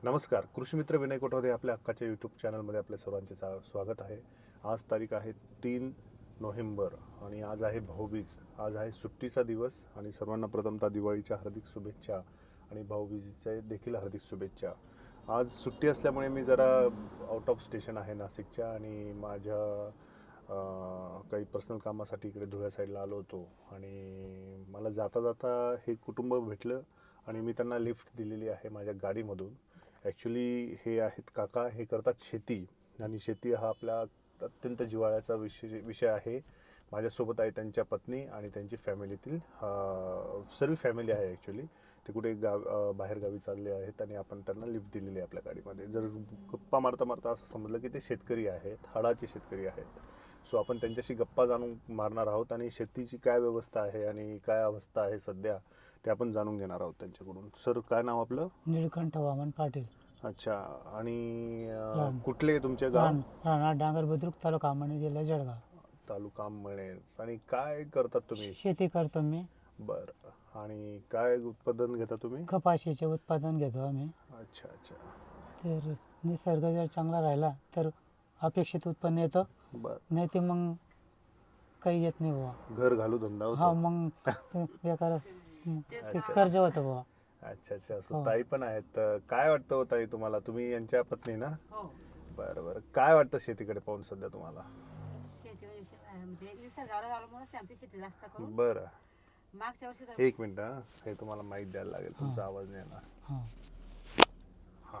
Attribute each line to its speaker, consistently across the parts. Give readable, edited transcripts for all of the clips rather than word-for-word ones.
Speaker 1: नमस्कार. कृषी मित्र विनय कोटवदे आपल्या हक्काच्या यूट्यूब चॅनलमध्ये आपल्या सर्वांचे स्वागत आहे. आज तारीख आहे 3 नोव्हेंबर आणि आज आहे भाऊबीज. आज आहे सुट्टीचा दिवस आणि सर्वांना प्रथमतः दिवाळीच्या हार्दिक शुभेच्छा आणि भाऊबीजेच्या देखील हार्दिक शुभेच्छा. आज सुट्टी असल्यामुळे मी जरा आउट ऑफ स्टेशन आहे नाशिकच्या आणि माझ्या काही पर्सनल कामासाठी इकडे धुळ्या साईडला आलो होतो आणि मला जाता जाता हे कुटुंब भेटलं आणि मी त्यांना लिफ्ट दिलेली आहे माझ्या गाडीमधून. ॲक्च्युली हे आहेत काका, हे करतात शेती आणि शेती हा आपला अत्यंत जिव्हाळ्याचा विषय आहे. माझ्यासोबत आहे त्यांच्या पत्नी आणि त्यांची फॅमिलीतील सर्व फॅमिली आहे. ॲक्च्युली ते कुठे बाहेरगावी चालले आहेत आणि आपण त्यांना लिफ्ट दिलेली आहे आपल्या गाडीमध्ये. जर गप्पा मारता मारता असं समजलं की ते शेतकरी आहेत, हाडाचे शेतकरी आहेत. सो आपण त्यांच्याशी गप्पा जाणून मारणार आहोत आणि शेतीची काय व्यवस्था आहे आणि काय अवस्था आहे सध्या ते आपण जाणून घेणार आहोत त्यांच्याकडून. सर, काय नाव आपलं?
Speaker 2: निळकंठ वामन पाटील.
Speaker 1: अच्छा. आणि कुठले तुमचे गाव?
Speaker 2: राहणार डांगर बुद्रुक, तालुका अंबरनाथ, जिल्हा जळगाव.
Speaker 1: तालुका अंबरनाथ. आणि काय करतात तुम्ही?
Speaker 2: शेती करतो मी.
Speaker 1: बरं. आणि काय उत्पादन घेता तुम्ही?
Speaker 2: कपाशीचे उत्पादन घेतो आम्ही.
Speaker 1: अच्छा अच्छा.
Speaker 2: तर निसर्ग जर चांगला राहिला तर अपेक्षित उत्पन्न येतं.
Speaker 1: बरं.
Speaker 2: नाही ते मग काही येत नाही बाबा.
Speaker 1: घर घालू धंदा
Speaker 2: हा,
Speaker 1: होतो.
Speaker 2: मग बेकार ते
Speaker 1: अच्छा.
Speaker 2: कर्ज होतं बाबा.
Speaker 1: अच्छा अच्छा. सो
Speaker 2: हो.
Speaker 1: ताई पण आहेत. काय वाटतं हो ताई तुम्हाला? तुम्ही यांच्या पत्नी ना?
Speaker 3: हो.
Speaker 1: बरं बरं. काय वाटतं शेतीकडे पाहून सध्या तुम्हाला?
Speaker 3: शेती म्हणजे निसर्गावर अवलंबूनच आमची शेती जास्त करून.
Speaker 1: बरं.
Speaker 3: मागच्या वर्षी तर
Speaker 1: एक मिनिट. हा, हे तुम्हाला माहीत द्यायला लागेल, तुमचा आवाज नाही येणार.
Speaker 2: हा.
Speaker 1: हां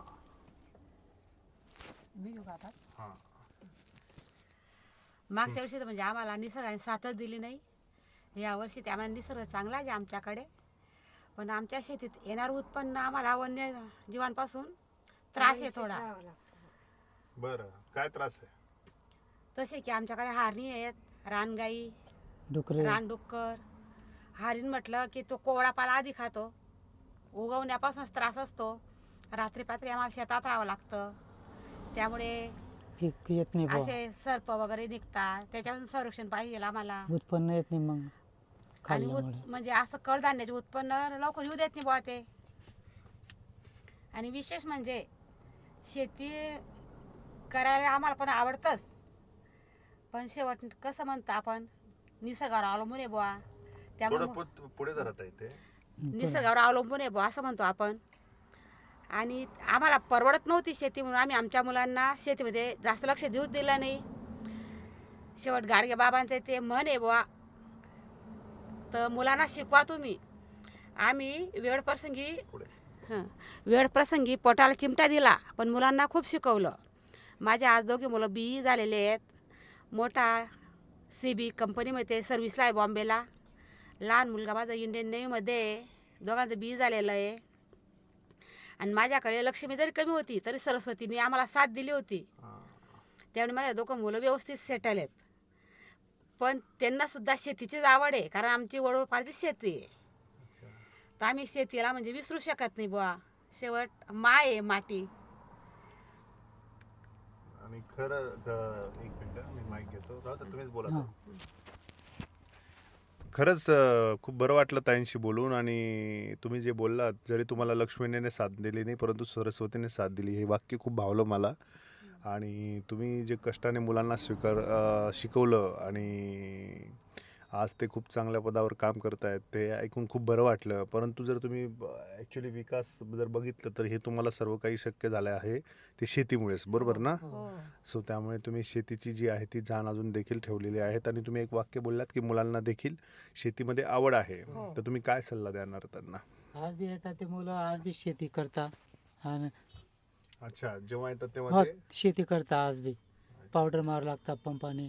Speaker 3: मी घेऊ का आता?
Speaker 1: हां.
Speaker 3: मागच्या वर्षी तर म्हणजे आम्हाला निसर्गाने साथच दिली नाही. या वर्षी ते आम्हाला निसर्ग चांगला आहे आमच्याकडे, पण आमच्या शेतीत येणार उत्पन्न आम्हाला वन्य जीवांपासून त्रास आहे थोडा.
Speaker 1: बरं. काय त्रास आहे?
Speaker 3: तसे की आमच्याकडे हारणी आहेत, रानगाई,
Speaker 2: डुकरे.
Speaker 3: रानडुक्कर. हारीन म्हटलं की तो कोवळा पाला आधी खातो, उगवण्यापासूनच त्रास असतो. रात्री पात्री आम्हाला शेतात राहावं लागतं, त्यामुळे
Speaker 2: पीक येत नाही बाबा.
Speaker 3: असे सर्प वगैरे निघतात. त्याच्यापासून संरक्षण पाहिजे आम्हाला.
Speaker 2: उत्पन्न येत नाही मग
Speaker 3: आणि
Speaker 2: खाल्ल्यामुळे.
Speaker 3: म्हणजे असं कडधान्याचे उत्पन्न लवकर येऊ देत नाही बुवा ते. आणि विशेष म्हणजे शेती करायला आम्हाला पण आवडतंच, पण शेवट कसं म्हणतो आपण, निसर्गावर अवलंबून आहे बुवा. त्यामुळे
Speaker 1: पुढे धरत आहे ते.
Speaker 3: निसर्गावर अवलंबून आहे बुवा असं म्हणतो आपण. आणि आम्हाला परवडत नव्हती शेती, म्हणून आम्ही आमच्या मुलांना शेतीमध्ये जास्त लक्ष देऊच दिलं नाही. शेवट गाडगे बाबांचं ते म्हण आहे बुवा, तर मुलांना शिकवा तुम्ही. आम्ही वेळ प्रसंगी पोटाला चिमटा दिला, पण मुलांना खूप शिकवलं. माझे आज दोघे मुलं BE झालेले आहेत. मोठा CB कंपनीमध्ये सर्व्हिसला आहे बॉम्बेला. लहान मुलगा माझा इंडियन नेव्हीमध्ये आहे. दोघांचं BE झालेलं आहे. आणि माझ्याकडे लक्ष्मी जरी कमी होती तरी सरस्वतीने आम्हाला साथ दिली होती. त्यामुळे माझ्या दोघं मुलं व्यवस्थित सेटल आहेत. पण त्यांना सुद्धा शेतीचीच आवड आहे, कारण आमची वडोपारची शेती आहे. तर आम्ही शेतीला म्हणजे विसरू शकत नाही बुवा. शेवट माय आहे माती.
Speaker 1: आणि खरं एक मिनिट, मी माईक घेतो. राहू दे, तुम्हीच बोला.
Speaker 2: हां.
Speaker 1: खरंच खूप बरं वाटलं ताईंशी बोलून. आणि तुम्ही जे बोललात, जरी तुम्हाला लक्ष्मीने साथ दिली नाही परंतु सरस्वतीने साथ दिली, हे वाक्य खूप भावलं मला. आणि तुम्ही जे कष्टाने मुलांना शिकवलं आणि आज ते खूप चांगल्या पदावर काम करत आहेत, ते ऐकून खूप बरं वाटलं. परंतु जर तुम्ही ॲक्च्युली विकास जर बघितलं तर हे तुम्हाला सर्व काही शक्य झालं आहे ते शेतीमुळेच, बरोबर ना?
Speaker 3: हो.
Speaker 1: सो त्यामुळे तुम्ही शेतीची जी आहे ती जाण अजून देखील ठेवलेली आहेत. आणि तुम्ही एक वाक्य बोललात की मुलांना देखील शेतीमध्ये आवड आहे.
Speaker 3: हो.
Speaker 1: तर तुम्ही काय सल्ला देणार त्यांना?
Speaker 2: आज बी येतात ते मुलं, आज बी शेती करता. आणि
Speaker 1: अच्छा, जेव्हा येतात
Speaker 2: हो,
Speaker 1: तेव्हा ते
Speaker 2: शेती करता. आज बी पावडर मारावं लागतं पंपाने.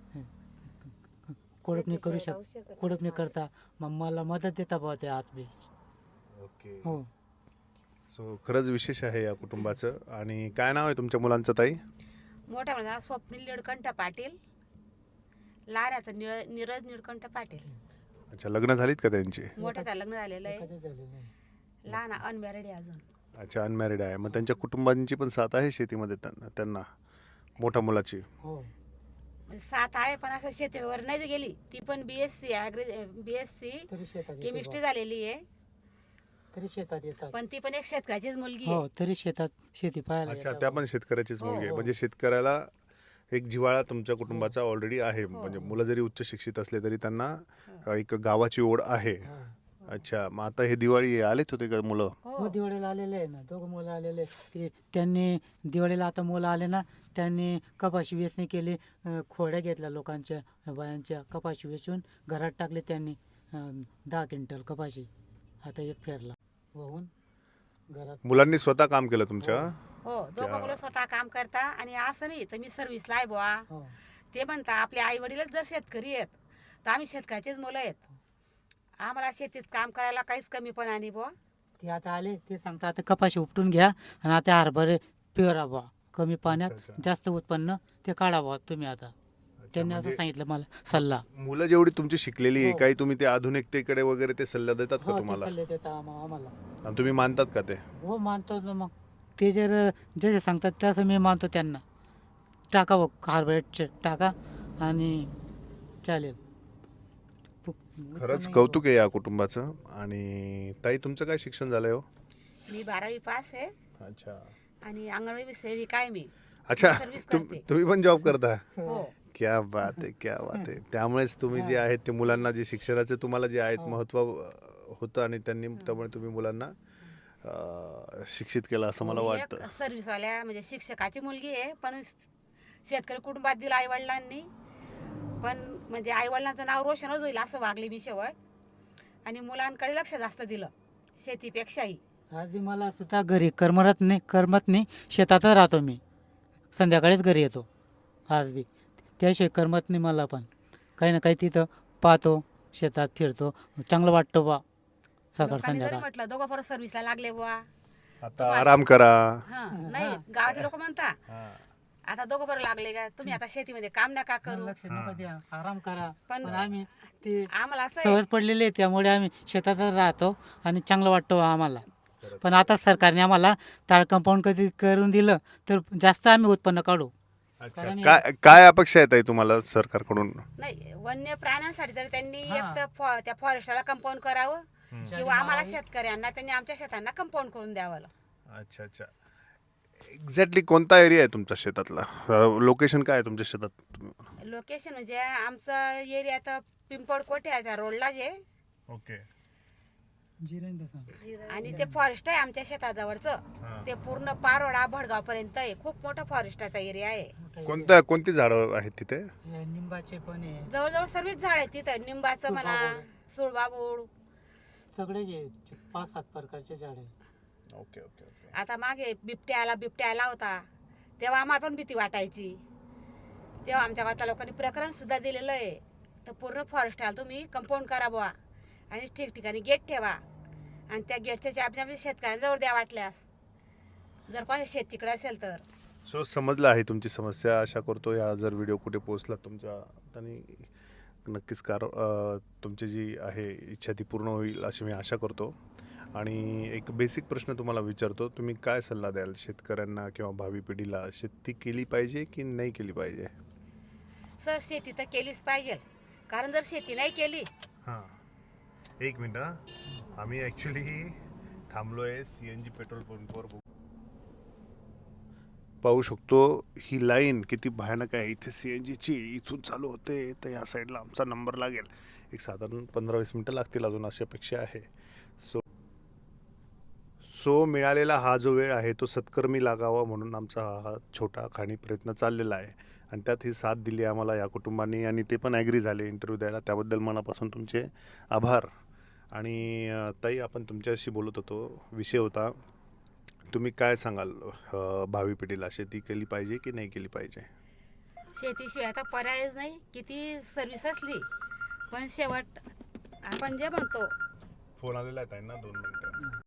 Speaker 2: कोळपणी करू कोळपणी करता. मग मला मदत देता बुवा ते आज बी.
Speaker 1: ओके.
Speaker 2: हो.
Speaker 1: सो खरंच विशेष आहे या कुटुंबाचं. आणि काय नाव आहे तुमच्या मुलांचं ताई?
Speaker 3: मोठ्या म्हणजे स्वप्नील निळकंठ पाटील, लहान्याचं नीरज निळकंठ पाटील.
Speaker 1: अच्छा, लग्न झालीत का त्यांची?
Speaker 3: मोठ्याचं लग्न झालेलं आहे,
Speaker 2: एकाचं झालेलं आहे.
Speaker 3: लहान अनमॅरिड आहे अजून.
Speaker 1: अच्छा, अनमॅरिड आहे. मग त्यांच्या कुटुंबांची पण साथ आहे शेतीमध्ये त्यांना मोठ्या मुलाची?
Speaker 2: हो.
Speaker 3: म्हणजे साथ आहे, पण असं शेतीवर नाही गेली. ती पण BSc
Speaker 2: तरी शेतात येते
Speaker 3: केमिस्ट्री
Speaker 2: बुवा.
Speaker 3: झालेली आहे.
Speaker 2: तरी शेतात येतात.
Speaker 3: पण ती पण एक शेतकऱ्याचीच मुलगी
Speaker 2: हो
Speaker 3: आहे.
Speaker 2: तरी शेतात शेती पाहायला
Speaker 1: अच्छा,
Speaker 2: येतात.
Speaker 1: त्या पण शेतकऱ्याचीच
Speaker 3: हो,
Speaker 1: मुलगी आहे.
Speaker 2: हो.
Speaker 1: म्हणजे शेतकऱ्याला एक जिव्हाळा तुमच्या कुटुंबाचा ऑलरेडी आहे.
Speaker 3: हो.
Speaker 1: म्हणजे मुलं जरी उच्च शिक्षित असले तरी त्यांना एक गावाची ओढ आहे.
Speaker 2: हा.
Speaker 1: अच्छा, मग आता हे दिवाळी आलेच होते का मुलं?
Speaker 2: हो दिवाळीला आलेले आहे ना, दोघं मुलं आलेले. ते त्यांनी दिवाळीला आता मुलं आले ना, त्यांनी कपाशी वेचणी केली. खोड्या घेतल्या लोकांच्या बायांच्या, कपाशी वेचून घरात टाकले त्यांनी. 10 क्विंटल कपाशी आता एक फेरला वाहून घरात.
Speaker 1: मुलांनी स्वतः काम केलं तुमच्या?
Speaker 3: हो, दोघं मुलं स्वतः काम करता. आणि असं नाही तर मी सर्व्हिसला आहे बुवा.
Speaker 2: हो.
Speaker 3: ते म्हणता आपले आई वडीलच जर शेतकरी आहेत तर आम्ही शेतकऱ्याचेच मुलं आहेत. आम्हाला शेतीत काम करायला काहीच कमीपणा नाही बुवा.
Speaker 2: ते आता आले, ते सांगता आता कपाशी उपटून घ्या आणि आता हरभरे पेरा बुवा, कमी पाण्यात
Speaker 1: अच्छा.
Speaker 2: जास्त उत्पन्न ते काढा बुवा तुम्ही आता. त्यांनी असं
Speaker 1: म्हणजे
Speaker 2: सांगितलं मला सल्ला.
Speaker 1: मुलं जेवढी तुमची शिकलेली आहे,
Speaker 2: हो.
Speaker 1: काही तुम्ही ते आधुनिकतेकडे वगैरे ते सल्ला देतात का
Speaker 2: हो ते
Speaker 1: तुम्हाला?
Speaker 2: सल्ले देतात आम्हाला.
Speaker 1: आणि तुम्ही मानतात का ते?
Speaker 2: हो मानतो ना मग. ते जर जसे सांगतात तसं मी मानतो त्यांना. टाका बघ हरभरे टाका आणि चालेल.
Speaker 1: खरंच कौतुक आहे या कुटुंबाचं. आणि ताई, तुमचं काय शिक्षण झालंय हो?
Speaker 3: मी 12वी पास आहे
Speaker 1: अच्छा
Speaker 3: आणि अंगणवाडी सेविका आहे मी.
Speaker 1: अच्छा,
Speaker 3: सर्व्हिस करते.
Speaker 1: तुम्ही पण जॉब करता?
Speaker 3: हो.
Speaker 1: क्या बात आहे, क्या बात आहे. त्यामुळेच तुम्ही जे आहेत ते मुलांना जे शिक्षणाचे तुम्हाला जे आहेत महत्त्व होतं आणि त्यांनी त्यामुळे तुम्ही मुलांना शिक्षित केलं असं मला
Speaker 3: मी
Speaker 1: वाटतं.
Speaker 3: एक सर्व्हिसवाल्या म्हणजे शिक्षकाची मुलगी आहे, पण शेतकरी कुटुंबात दिलं आई वडिलांनी. पण म्हणजे आई वडिलांचं नाव रोशनच होईल असं वागले मी शेवट. आणि मुलांकडे लक्ष जास्त दिलं शेतीपेक्षाही.
Speaker 2: आज बी मला सुद्धा घरी करमत नाही. शेतातच राहतो मी. संध्याकाळीच घरी येतो आज बी. त्याशिवाय करमत नाही मला. पण काही ना काही तिथं पाहतो, शेतात फिरतो, चांगलं वाटतं बा सकाळ
Speaker 3: लोकांनी जरी
Speaker 2: संध्याकाळ.
Speaker 3: म्हटलं दोघं परत सर्व्हिसला लागले बुवा.
Speaker 1: आता आराम करा.
Speaker 3: हा नाही, गावाचे लोक म्हणता आता दोघं बरं लागले का तुम्ही आता शेतीमध्ये काम नका करू.
Speaker 2: लक्ष नका द्या, आराम करा.
Speaker 3: पण
Speaker 2: पण आम्ही ते
Speaker 3: आम्हाला असं आहे,
Speaker 2: सवय पडलेली आहे, त्यामुळे आम्ही शेतातच राहतो आणि चांगलं वाटतं बा आम्हाला. पण आता सरकारने आम्हाला तार कंपाऊंड कधी करून दिलं तर जास्त आम्ही उत्पन्न काढू.
Speaker 1: अच्छा,
Speaker 2: कारण
Speaker 1: काय अपेक्षा येत आहे तुम्हाला सरकारकडून?
Speaker 3: नाही वन्य प्राण्यांसाठी तर त्यांनी
Speaker 2: हा.
Speaker 3: एक तर त्या फॉरेस्टला कंपाऊंड करावं किंवा आम्हाला शेतकऱ्यांना त्यांनी आमच्या शेतांना कंपाऊंड करून द्यावं.
Speaker 1: अच्छा अच्छा, एक्झॅक्टली कोणता एरिया आहे तुमच्या शेतातला? लोकेशन काय आहे तुमच्या शेतात?
Speaker 3: लोकेशन म्हणजे आमचं एरिया तर पिंपळ कोठ्याच्या रोडला जे
Speaker 1: ओके.
Speaker 3: आणि ते फॉरेस्ट आहे आमच्या शेताजवळचं. ते पूर्ण पारोडा भडगाव पर्यंत आहे. खूप मोठा फॉरेस्टाचा एरिया आहे.
Speaker 1: कोणती झाडं आहेत तिथे?
Speaker 2: हे निंबाचे पण आहे,
Speaker 3: जवळजवळ सर्वच झाड आहेत तिथं. निंबाचं म्हणा, सुळबाबूळ.
Speaker 2: सगळे जे 5-7 प्रकारचे झाड आहे.
Speaker 1: Okay okay okay.
Speaker 3: आता मागे बिबट्या आला होता तेव्हा आम्हाला पण भीती वाटायची. तेव्हा आमच्या गावच्या लोकांनी प्रकरण सुद्धा दिलेलं आहे. तर पूर्ण फॉरेस्टला तुम्ही कंपाऊंड करा बुवा आणि ठिकठिकाणी गेट ठेवा आणि त्या गेटच्या चाबी आमच्या शेतकऱ्यांजवळ द्या वाटल्यास, जर कोणी शेत तिकडे असेल तर.
Speaker 1: सो समजलं आहे तुमची समस्या. आशा करतो या जर व्हिडिओ कुठे पोहोचला तुमच्या त्यांनी नक्कीच तुमची जी आहे इच्छा ती पूर्ण होईल अशी मी आशा करतो. आणि एक बेसिक प्रश्न तुम्हाला विचारतो, तुम्ही काय सल्ला द्याल शेतकऱ्यांना किंवा भावी पिढीला? शेती केली पाहिजे की नाही केली पाहिजे?
Speaker 3: सर शेती तर केलीच पाहिजे, कारण जर शेती नाही केली.
Speaker 1: हां, एक मिनटं. आम्ही ॲक्च्युली थांबलो आहे CNG पेट्रोल पंपवर. पाहू शकतो ही लाईन किती भयानक आहे. इथे CNGची इथून चालू होते तर या साईडला आमचा नंबर लागेल. एक साधारण 15-20 मिनटं लागतील अजून अशी अपेक्षा आहे. सो मिळालेला हा जो वेळ आहे तो सत्कर्मी लागावा म्हणून आमचा हा छोटा खाणी प्रयत्न चाललेला आहे. आणि त्यात ही साथ दिली आम्हाला या कुटुंबांनी आणि ते पण ॲग्री झाले इंटरव्ह्यू द्यायला. त्याबद्दल मनापासून तुमचे आभार. आणि ताई, आपण तुमच्याशी बोलत होतो, विषय होता तुम्ही काय सांगाल भावी पिढीला? शेती केली पाहिजे की नाही केली पाहिजे?
Speaker 3: शेतीशिवाय आता पर्यायच नाही. किती सर्व्हिस असली पण शेवट आपण जे म्हणतो.
Speaker 1: फोन आलेला आहे ना, 2 मिनिटं.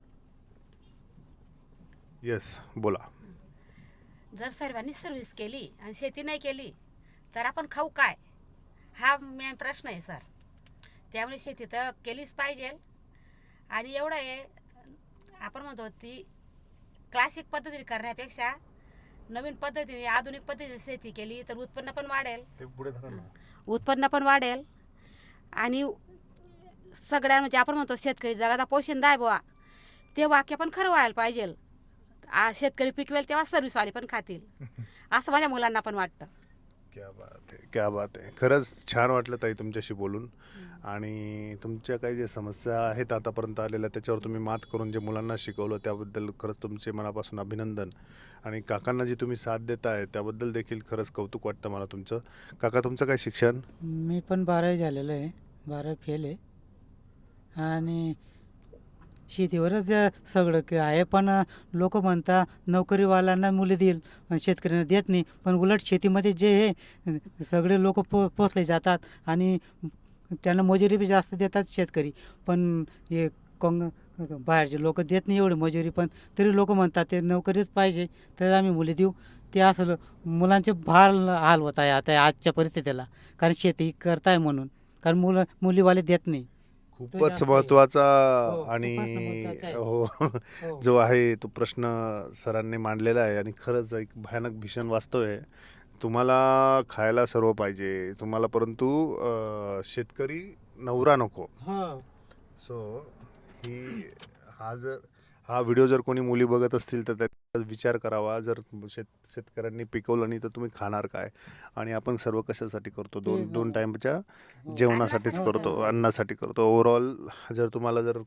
Speaker 1: येस, बोला.
Speaker 3: जर सर्वांनी सर्व्हिस केली आणि शेती नाही केली तर आपण खाऊ काय, हा मेन प्रश्न आहे सर. त्यामुळे शेती तर केलीच पाहिजे. आणि एवढं आहे, आपण म्हणतो ती क्लासिक पद्धतीने करण्यापेक्षा नवीन पद्धतीने आधुनिक पद्धतीने शेती केली तर उत्पन्न पण वाढेल.
Speaker 1: ते पुढे धरा ना.
Speaker 3: उत्पन्न पण वाढेल आणि सगळ्या म्हणजे आपण म्हणतो शेतकरी जगाचा पोशिंदा आहे बुवा. ते वाक्य पण खरं व्हायला पाहिजे. शेतकरी पिकवेल तेव्हा सर्व्हिसवाले पण खातील असं माझ्या मुलांना पण वाटतं.
Speaker 1: क्या बात आहे, क्या बात आहे. खरंच छान वाटलं ताई तुमच्याशी बोलून. आणि तुमच्या काही जे समस्या आहेत आतापर्यंत आलेल्या त्याच्यावर तुम्ही मात करून जे मुलांना शिकवलं त्याबद्दल खरंच तुमचे मनापासून अभिनंदन. आणि काकांना जी तुम्ही साथ देताय त्याबद्दल देखील खरंच कौतुक वाटतं मला तुमचं. काका तुमचं काय शिक्षण?
Speaker 2: मी पण 12वी झालेलो आहे, 12वी फेल आहे आणि शेतीवरच सगळं आहे. पण लोक म्हणता नोकरीवाल्यांना मुली देईल, शेतकऱ्यांना देत नाही. पण उलट शेतीमध्ये जे हे सगळे लोक पोचले जातात आणि त्यांना मजुरी बी जास्त देतात शेतकरी. पण हे बाहेरचे लोक देत नाही एवढी मजुरी, पण तरी लोक म्हणतात ते नोकरीच पाहिजे तर आम्ही मुली देऊ. ते असं मुलांचे फार हाल होत आहे आता आजच्या परिस्थितीला, कारण शेती करताय म्हणून, कारण मुलीवाले देत नाही.
Speaker 1: खूपच
Speaker 2: जास्त आहे.
Speaker 1: महत्त्वाचा
Speaker 2: हो,
Speaker 1: आणि
Speaker 2: खूपच महत्त्वाचा आहे.
Speaker 1: हो
Speaker 2: हो.
Speaker 1: जो आहे तो प्रश्न सरांनी मांडलेला आहे. आणि खरंच एक भयानक भीषण वास्तव आहे. तुम्हाला खायला सर्व पाहिजे तुम्हाला, परंतु शेतकरी नवरा नको.
Speaker 2: हो.
Speaker 1: सो हा व्हिडिओ जर कोणी मुली बघत असतील तर त्याचा विचार करावा. जर शेतकऱ्यांनी पिकवलं नाही तर तुम्ही खाणार काय? आणि आपण सर्व कशासाठी करतो? दोन टाईमच्या जेवणासाठीच करतो, अन्नासाठी करतो. ओव्हरऑल जर तुम्हाला जर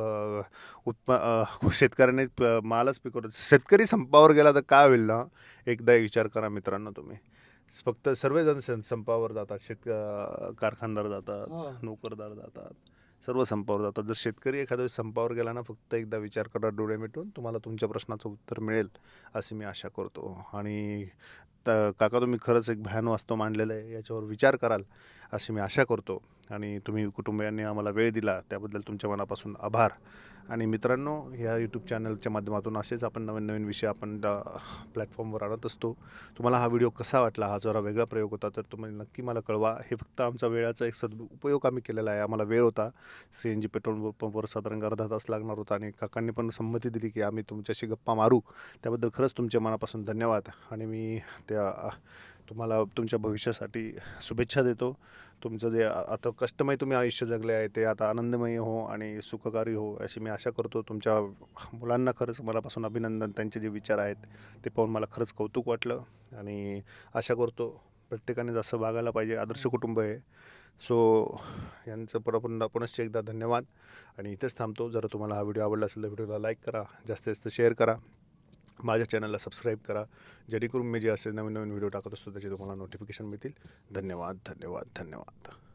Speaker 1: शेतकऱ्यांनी मालच पिकवतो, शेतकरी संपावर गेला तर काय होईल ना? एकदा विचार करा मित्रांनो तुम्ही. फक्त सर्वजण संपावर जातात, कारखानदार जातात, नोकरदार जातात, सर्व संपावर जातात. जर शेतकरी एखाद्या वेळेस संपावर गेला ना, फक्त एकदा विचार करा डोळे मिटून, तुम्हाला तुमच्या प्रश्नाचं उत्तर मिळेल अशी मी आशा करतो. आणि काका तुम्ही खरंच एक भयान वास्तव मांडलेलं आहे, याच्यावर विचार कराल अशी मी आशा करतो. आणि तुम्ही कुटुंबियांनी आम्हाला वेळ दिला त्याबद्दल तुमच्या मनापासून आभार. आणि मित्रांनो, ह्या यूट्यूब चॅनलच्या माध्यमातून असेच आपण नवीन नवीन विषय आपण प्लॅटफॉर्मवर आणत असतो. तुम्हाला हा व्हिडिओ कसा वाटला? हा जरा वेगळा प्रयोग होता तर तुम्ही नक्की मला कळवा. हे फक्त आमचा वेळाचा एक उपयोग आम्ही केलेला आहे. आम्हाला वेळ होता, CNG पेट्रोल पंपवर साधारण अर्धा तास लागणार होता आणि काकांनी पण संमती दिली की आम्ही तुमच्याशी गप्पा मारू. त्याबद्दल खरंच तुमच्या मनापासून धन्यवाद. आणि मी तुम्हाला तुमच्या भविष्यासाठी शुभेच्छा देतो. तुमचं जे आता कष्टमय तुम्ही आयुष्य जगले आहे ते आता आनंदमयी हो आणि सुखकारी हो अशी मी आशा करतो. तुमच्या मुलांना खरंच मनापासून अभिनंदन. त्यांचे जे विचार आहेत ते पाहून मला खरंच कौतुक वाटलं. आणि आशा करतो प्रत्येकाने जसं वागायला पाहिजे. आदर्श कुटुंब आहे. सो यांचं पुनश्च एकदा धन्यवाद. आणि इथेच थांबतो. जर तुम्हाला हा व्हिडिओ आवडला असेल तर व्हिडिओला लाईक करा, जास्तीत जास्त शेअर करा, माझ्या चॅनलला सबस्क्राईब करा, जेणेकरून मी जे असे नवीन नवीन व्हिडिओ टाकत असतो त्याचे तुम्हाला नोटिफिकेशन मिळतील. धन्यवाद, धन्यवाद, धन्यवाद.